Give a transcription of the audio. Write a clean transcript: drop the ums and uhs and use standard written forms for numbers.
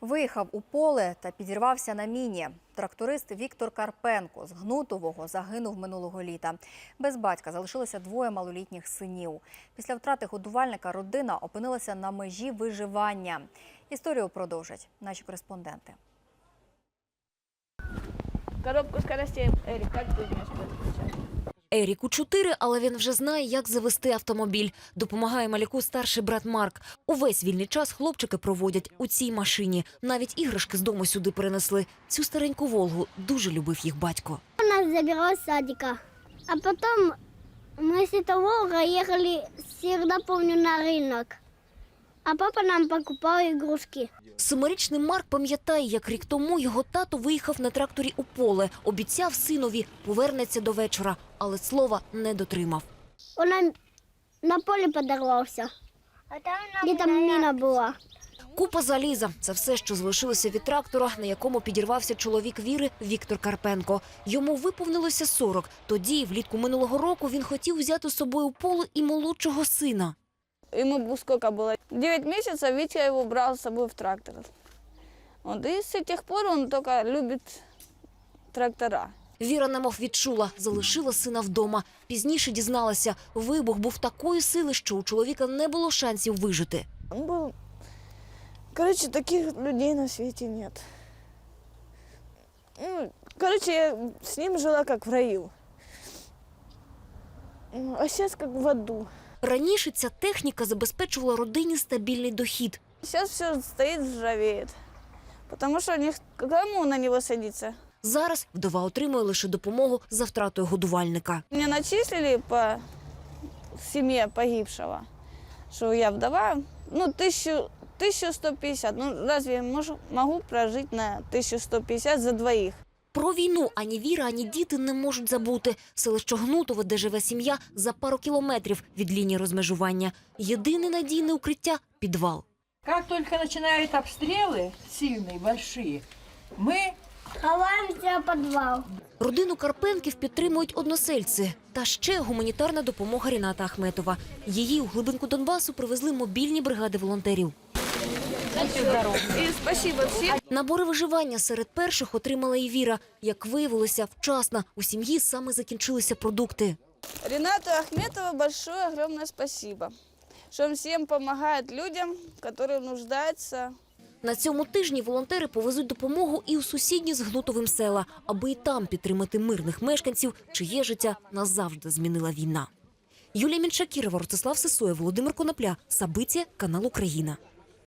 Виїхав у поле та підірвався на міні. Тракторист Віктор Карпенко з Гнутового загинув минулого літа. Без батька залишилося двоє малолітніх синів. Після втрати годувальника родина опинилася на межі виживання. Історію продовжать наші кореспонденти. Коробку скоростей, Ерік, як ти вмієш підключати? Еріку 4, але він вже знає, як завести автомобіль. Допомагає малюку старший брат Марк. Увесь вільний час хлопчики проводять у цій машині. Навіть іграшки з дому сюди перенесли. Цю стареньку «Волгу» дуже любив їх батько. Он нас забирал с садика. А потом мы с этого Волга ехали, всегда помню, на рынок. А папа нам покупал игрушки. Семирічний Марк пам'ятає, як рік тому його тато виїхав на тракторі у поле. Обіцяв синові, повернеться до вечора, але слова не дотримав. Он на поле подорвался. И там мина была. Купа заліза – це все, що залишилося від трактора, на якому підірвався чоловік Віри Віктор Карпенко. Йому виповнилося 40. Тоді, влітку минулого року, він хотів взяти з собою у поле і молодшого сина. Ему сколько было? 9 месяцев, Витя его брал с собой в трактор. Вот, и с тех пор он только любит трактора. Віра немов відчула, залишила сина вдома. Пізніше дізналася, вибух був такої сили, що у чоловіка не було шансів вижити. Он был... Короче, таких людей на свете нет. Ну, короче, я с ним жила как в раю. А сейчас как в аду. Раніше ця техніка забезпечувала родині стабільний дохід. Сейчас все стоит, ржавеет. Потому что кому на него садиться? Зараз вдова отримує лише допомогу за втратою годувальника. Мне начислили по семье погибшего, что я вдова, 1150. Ну, разве я могу прожить на 1150 за двоих? Про війну ані Віра, ані діти не можуть забути. Селище Гнутове, де живе сім'я, за пару кілометрів від лінії розмежування. Єдине надійне укриття – підвал. Как только начинают обстрелы сильные, большие, мы Ховаемся в подвал. Родину Карпенків підтримують односельці. Та ще гуманітарна допомога Ріната Ахметова. Її у глибинку Донбасу привезли мобільні бригади волонтерів. И спасибо всем. Набори виживання серед перших отримала і Віра. Як виявилося, вчасно. У сім'ї саме закінчилися продукти. Ринату Ахметову большое, огромное спасибо, что он всем помогает людям, которые нуждаются. На цьому тижні волонтери повезуть допомогу і у сусідні з Гнутовим села, аби і там підтримати мирних мешканців, чиє життя назавжди змінила війна. Юлія Мінчакірова, Ростислав Сисоєв, Володимир Конопля. Сабиття, канал Україна.